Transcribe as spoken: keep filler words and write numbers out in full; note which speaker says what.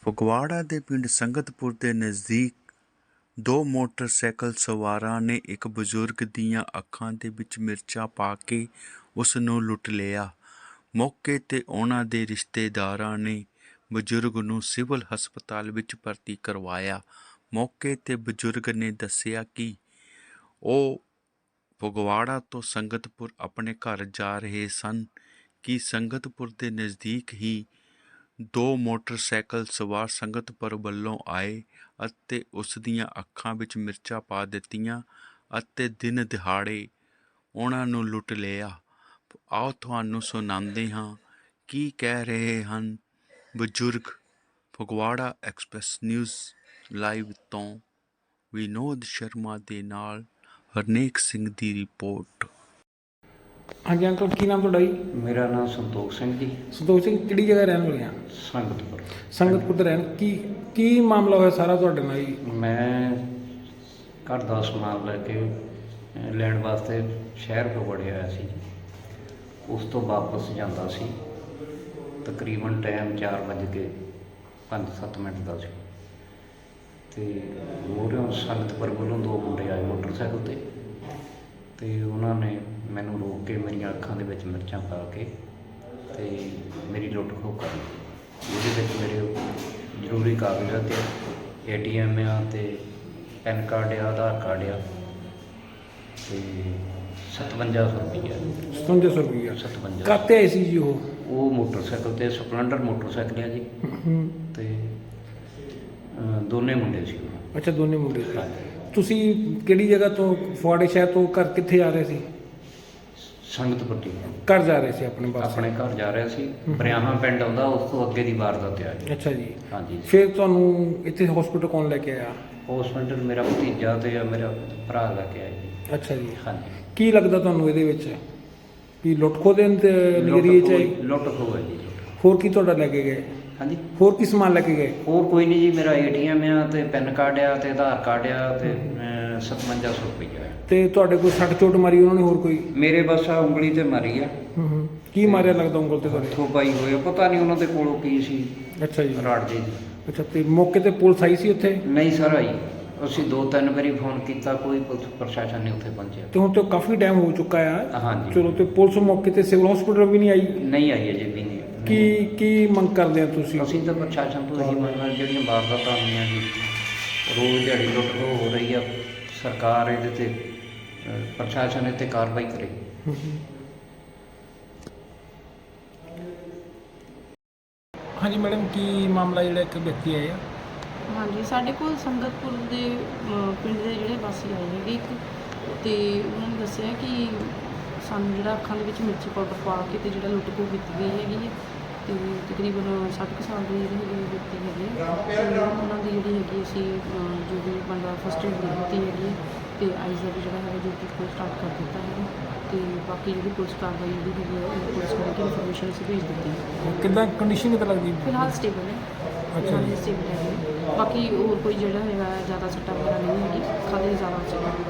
Speaker 1: ਫਗਵਾੜਾ ਦੇ ਪਿੰਡ ਸੰਗਤਪੁਰ ਦੇ ਨਜ਼ਦੀਕ ਦੋ ਮੋਟਰਸਾਈਕਲ ਸਵਾਰਾਂ ਨੇ ਇੱਕ ਬਜ਼ੁਰਗ ਦੀਆਂ ਅੱਖਾਂ ਦੇ ਵਿੱਚ ਮਿਰਚਾਂ ਪਾ ਕੇ ਉਸ ਨੂੰ ਲੁੱਟ ਲਿਆ। ਮੌਕੇ 'ਤੇ ਉਹਨਾਂ ਦੇ ਰਿਸ਼ਤੇਦਾਰਾਂ ਨੇ ਬਜ਼ੁਰਗ ਨੂੰ ਸਿਵਲ ਹਸਪਤਾਲ ਵਿੱਚ ਭਰਤੀ ਕਰਵਾਇਆ। ਮੌਕੇ 'ਤੇ ਬਜ਼ੁਰਗ ਨੇ ਦੱਸਿਆ ਕਿ ਉਹ ਫਗਵਾੜਾ ਤੋਂ ਸੰਗਤਪੁਰ ਆਪਣੇ ਘਰ ਜਾ ਰਹੇ ਸਨ ਕਿ ਸੰਗਤਪੁਰ ਦੇ ਨਜ਼ਦੀਕ ਹੀ ਦੋ ਮੋਟਰਸਾਈਕਲ ਸਵਾਰ ਸੰਗਤਪੁਰ ਵੱਲੋਂ ਆਏ ਅਤੇ ਉਸ ਦੀਆਂ ਅੱਖਾਂ ਵਿੱਚ ਮਿਰਚਾਂ ਪਾ ਦਿੱਤੀਆਂ ਅਤੇ ਦਿਨ ਦਿਹਾੜੇ ਉਹਨਾਂ ਨੂੰ ਲੁੱਟ ਲਿਆ। ਆਓ ਤੁਹਾਨੂੰ ਸੁਣਾਉਂਦੇ ਹਾਂ ਕੀ ਕਹਿ ਰਹੇ ਹਨ ਬਜ਼ੁਰਗ। ਫਗਵਾੜਾ ਐਕਸਪ੍ਰੈਸ ਨਿਊਜ਼ ਲਾਈਵ ਤੋਂ ਵਿਨੋਦ ਸ਼ਰਮਾ ਦੇ ਨਾਲ ਹਰਨੇਕ ਸਿੰਘ ਦੀ ਰਿਪੋਰਟ।
Speaker 2: ਹਾਂਜੀ ਅੰਕਲ, ਕੀ ਨਾਮ ਤੁਹਾਡਾ ਜੀ?
Speaker 3: ਮੇਰਾ ਨਾਮ ਸੰਤੋਖ ਸਿੰਘ ਜੀ।
Speaker 2: ਸੰਤੋਖ ਸਿੰਘ, ਕਿਹੜੀ ਜਗ੍ਹਾ ਰਹਿਣ ਵਾਲੇ ਆ?
Speaker 3: ਸੰਗਤਪੁਰ।
Speaker 2: ਸੰਗਤਪੁਰ ਦੇ ਰਹਿਣ। ਕੀ ਕੀ ਮਾਮਲਾ ਹੋਇਆ ਸਾਰਾ ਤੁਹਾਡੇ ਨਾਲ ਜੀ?
Speaker 3: ਮੈਂ ਘਰ ਦਾ ਸਮਾਨ ਲੈ ਕੇ ਅ, ਲੈਣ ਵਾਸਤੇ ਸ਼ਹਿਰ ਫਗਵਾੜੇ ਆਇਆ ਸੀ। ਉਸ ਤੋਂ ਵਾਪਸ ਜਾਂਦਾ ਸੀ। ਤਕਰੀਬਨ ਟਾਈਮ ਚਾਰ ਵੱਜ ਕੇ ਪੰਜ ਸੱਤ ਮਿੰਟ ਦਾ ਸੀ ਅਤੇ ਮੂਹਰਿਓਂ ਸੰਗਤਪੁਰ ਵੱਲੋਂ ਦੋ ਮੁੰਡੇ ਆਏ ਮੋਟਰਸਾਈਕਲ 'ਤੇ ਅਤੇ ਉਹਨਾਂ ਨੇ ਮੈਨੂੰ ਰੋਕ ਕੇ ਮੇਰੀਆਂ ਅੱਖਾਂ ਦੇ ਵਿੱਚ ਮਿਰਚਾਂ ਪਾ ਕੇ ਅਤੇ ਮੇਰੀ ਲੁੱਟ ਖੋਹ ਕਰ ਲਈ। ਜਿਹਦੇ ਵਿੱਚ ਮੇਰੇ ਜ਼ਰੂਰੀ ਕਾਗਜ਼ਾਤ ਏ ਟੀ ਐਮ ਆ ਅਤੇ ਪੈਨ ਕਾਰਡ ਆ, ਆਧਾਰ ਕਾਰਡ ਆ ਅਤੇ ਸਤਵੰਜਾ ਸੌ ਰੁਪਈਆ
Speaker 2: ਸਤਵੰਜਾ ਸੌ ਰੁਪਈਆ
Speaker 3: ਸਤਵੰਜਾ
Speaker 2: ਕਾਹਤੇ ਆਏ ਸੀ ਜੀ ਉਹ?
Speaker 3: ਉਹ ਮੋਟਰਸਾਈਕਲ 'ਤੇ ਸਪਲੈਂਡਰ ਮੋਟਰਸਾਈਕਲ ਆ ਜੀ ਅਤੇ ਅ, ਦੋਨੇ ਮੁੰਡੇ ਸੀ ਉਹ।
Speaker 2: ਅੱਛਾ, ਦੋਨੇ ਮੁੰਡੇ ਸੀ।
Speaker 3: ਹਾਂਜੀ।
Speaker 2: ਤੁਸੀਂ ਕਿਹੜੀ ਜਗ੍ਹਾ ਤੋਂ, ਫਗਵਾੜੇ ਸ਼ਹਿਰ ਤੋਂ ਘਰ ਕਿੱਥੇ ਆ ਰਹੇ ਸੀ?
Speaker 3: ਸੰਗਤਪੁਰ ਦੀ
Speaker 2: ਘਰ ਜਾ ਰਹੇ ਸੀ ਆਪਣੇ ਪਾਸ?
Speaker 3: ਆਪਣੇ ਘਰ ਜਾ ਰਿਹਾ ਸੀ। ਬਰਿਆਹਾਂ ਪਿੰਡ ਆਉਂਦਾ, ਉਸ ਤੋਂ ਅੱਗੇ ਦੀ ਵਾਰਦਾਤ ਆ ਜੀ।
Speaker 2: ਅੱਛਾ ਜੀ।
Speaker 3: ਹਾਂਜੀ।
Speaker 2: ਫਿਰ ਤੁਹਾਨੂੰ ਇੱਥੇ ਹਸਪੀਟਲ ਕੌਣ ਲੈ ਕੇ ਆਇਆ?
Speaker 3: ਹੌਸਪੀਟਲ ਮੇਰਾ ਭਤੀਜਾ ਅਤੇ ਮੇਰਾ ਭਰਾ ਲੈ ਕੇ ਆਏ ਜੀ।
Speaker 2: ਅੱਛਾ ਜੀ।
Speaker 3: ਹਾਂਜੀ।
Speaker 2: ਕੀ ਲੱਗਦਾ ਤੁਹਾਨੂੰ ਇਹਦੇ ਵਿੱਚ ਵੀ ਲੁੱਟ ਖੋਹ ਦੇ ਨਜ਼ਰੀਏ 'ਚ ਆਈ?
Speaker 3: ਲੁੱਟ ਖੋਹ ਹੈ ਜੀ।
Speaker 2: ਹੋਰ ਕੀ ਤੁਹਾਡਾ ਲੈ ਕੇ ਗਏ?
Speaker 3: ਹਾਂਜੀ।
Speaker 2: ਹੋਰ ਕੀ ਸਮਾਨ ਲੈ ਕੇ ਗਏ?
Speaker 3: ਹੋਰ ਕੋਈ ਨਹੀਂ ਜੀ, ਮੇਰਾ ਏ ਟੀ ਐਮ ਆ ਅਤੇ ਪੈਨ ਕਾਰਡ ਆ ਅਤੇ ਆਧਾਰ ਕਾਰਡ ਆ ਅਤੇ ਸਤਵੰਜਾ ਸੌ ਰੁਪਈਆ ਆ।
Speaker 2: ਤੇ ਤੁਹਾਡੇ ਕੋਈ ਸੱਟ ਚੋਟ ਮਾਰੀ ਉਹਨਾਂ ਨੇ ਹੋਰ ਕੋਈ?
Speaker 3: ਮੇਰੇ ਬਸ ਆ ਉਂਗਲੀ 'ਤੇ ਮਾਰੀ ਆ।
Speaker 2: ਹੂੰ ਹੂੰ। ਕੀ ਮਾਰਿਆ ਲੱਗਦਾ ਉਂਗਲ ਤੇ ਤੁਹਾਡੇ?
Speaker 3: ਹੱਥੋਂ ਪਾਈ ਹੋਏ ਆ, ਪਤਾ ਨਹੀਂ ਉਹਨਾਂ ਦੇ ਕੋਲੋਂ ਕੀ ਸੀ।
Speaker 2: ਅੱਛਾ ਜੀ।
Speaker 3: ਰਾੜ ਜੀ।
Speaker 2: ਅੱਛਾ, ਤੇ ਮੌਕੇ ਤੇ ਪੁਲਿਸ ਆਈ ਸੀ ਉੱਥੇ?
Speaker 3: ਨਹੀਂ ਸਰ ਆਈ। ਅਸੀਂ ਦੋ ਤਿੰਨ ਵਾਰੀ ਫੋਨ ਕੀਤਾ, ਕੋਈ ਪੁਲਿਸ ਪ੍ਰਸ਼ਾਸਨ ਨਹੀਂ ਉੱਥੇ ਪਹੁੰਚਿਆ।
Speaker 2: ਤੇ ਹੁਣ ਤੇ ਕਾਫੀ ਟਾਈਮ ਹੋ ਚੁੱਕਾ ਆ।
Speaker 3: ਹਾਂਜੀ।
Speaker 2: ਚਲੋ, ਤੇ ਪੁਲਿਸ ਮੌਕੇ ਤੇ ਸਿਵਲ ਹਸਪੀਟਲ ਵੀ ਨਹੀਂ ਆਈ?
Speaker 3: ਨਹੀਂ ਆਈ ਅਜੇ ਵੀ ਨਹੀਂ।
Speaker 2: ਕੀ ਕੀ ਮੰਗ ਕਰਦੇ ਆ ਤੁਸੀਂ?
Speaker 3: ਅਸੀਂ ਤਾਂ ਪ੍ਰਸ਼ਾਸਨ ਤੋਂ ਇਹੀ ਮੰਗਦੇ ਹਾਂ, ਜਿਹੜੀਆਂ ਵਾਰਦਾਤਾਂ ਹੋਈਆਂ ਜੀ, ਰੋਜ਼ ਦਿਹਾੜੀ ਲੁੱਟ ਖੋਹ ਹੋ ਰਹੀ ਆ, ਸਰਕਾਰ ਇਹਦੇ 'ਤੇ ਅ, ਪ੍ਰਸ਼ਾਸਨ ਇਹ 'ਤੇ ਕਾਰਵਾਈ ਕਰੇ।
Speaker 2: ਹੂੰ ਹੂੰ। ਹਾਂਜੀ ਮੈਡਮ, ਕੀ ਮਾਮਲਾ ਜਿਹੜਾ ਇੱਕ ਵਿਅਕਤੀ ਆਇਆ?
Speaker 4: ਹਾਂਜੀ, ਸਾਡੇ ਕੋਲ ਸੰਗਤਪੁਰ ਦੇ ਅ, ਪਿੰਡ ਦੇ ਜਿਹੜੇ ਵਾਸੀ ਆਏ ਹੈਗੇ ਇੱਕ, ਅਤੇ ਉਹਨਾਂ ਨੇ ਦੱਸਿਆ ਕਿ ਸਾਨੂੰ ਜਿਹੜਾ ਅੱਖਾਂ ਦੇ ਵਿੱਚ ਮਿਰਚੀ ਪਾਊਡਰ ਪਾ ਕੇ ਅਤੇ ਜਿਹੜਾ ਲੁੱਟ ਖੋਹ ਕੀਤੀ ਗਈ ਹੈਗੀ ਹੈ ਅਤੇ ਤਕਰੀਬਨ ਸੱਠ ਕੁ ਸਾਲ ਦੇ ਜਿਹੜੇ ਹੈਗੇ ਵਿਅਕਤੀ ਹੈਗੇ ਅਤੇ ਉਹਨਾਂ ਦੀ ਜਿਹੜੀ ਹੈਗੀ ਅਸੀਂ ਅ, ਜੋ ਵੀ ਬਣਦਾ ਫਸਟ ਏਡ ਦੇ ਦਿੱਤੀ ਹੈਗੀ ਹੈ ਅਤੇ ਆਈਜ਼ ਦਾ ਵੀ ਜਿਹੜਾ ਹੈਗਾ ਜੋ ਕਿ ਸਟਾਰਟ ਕਰ ਦਿੱਤਾ ਹੈਗਾ ਅਤੇ ਬਾਕੀ ਜਿਹੜੀ ਪੁਲਿਸ ਕਾਰਵਾਈ ਜਿਹੜੀ ਹੈਗੀ ਹੈ ਉਹ ਪੁਲਿਸ ਕਰਕੇ ਇਨਫੋਰਮੇਸ਼ਨ ਅਸੀਂ ਭੇਜ ਦਿੱਤੀ ਹੈ।
Speaker 2: ਕਿੱਦਾਂ ਕੰਡੀਸ਼ਨ ਕਿੱਦਾਂ ਲੱਗਦੀ?
Speaker 4: ਫਿਲਹਾਲ ਸਟੇਬਲ ਹੈ।
Speaker 2: ਅੱਛਾ ਜੀ।
Speaker 4: ਸਟੇਬਲ ਹੈਗੇ। ਬਾਕੀ ਹੋਰ ਕੋਈ ਜਿਹੜਾ ਹੈਗਾ ਜ਼ਿਆਦਾ ਸੱਟਾਂ ਵਗੈਰਾ ਨਹੀਂ ਹੈਗੀ, ਖਾਲੀ ਜ਼ਿਆਦਾ ਸੀਗਾ।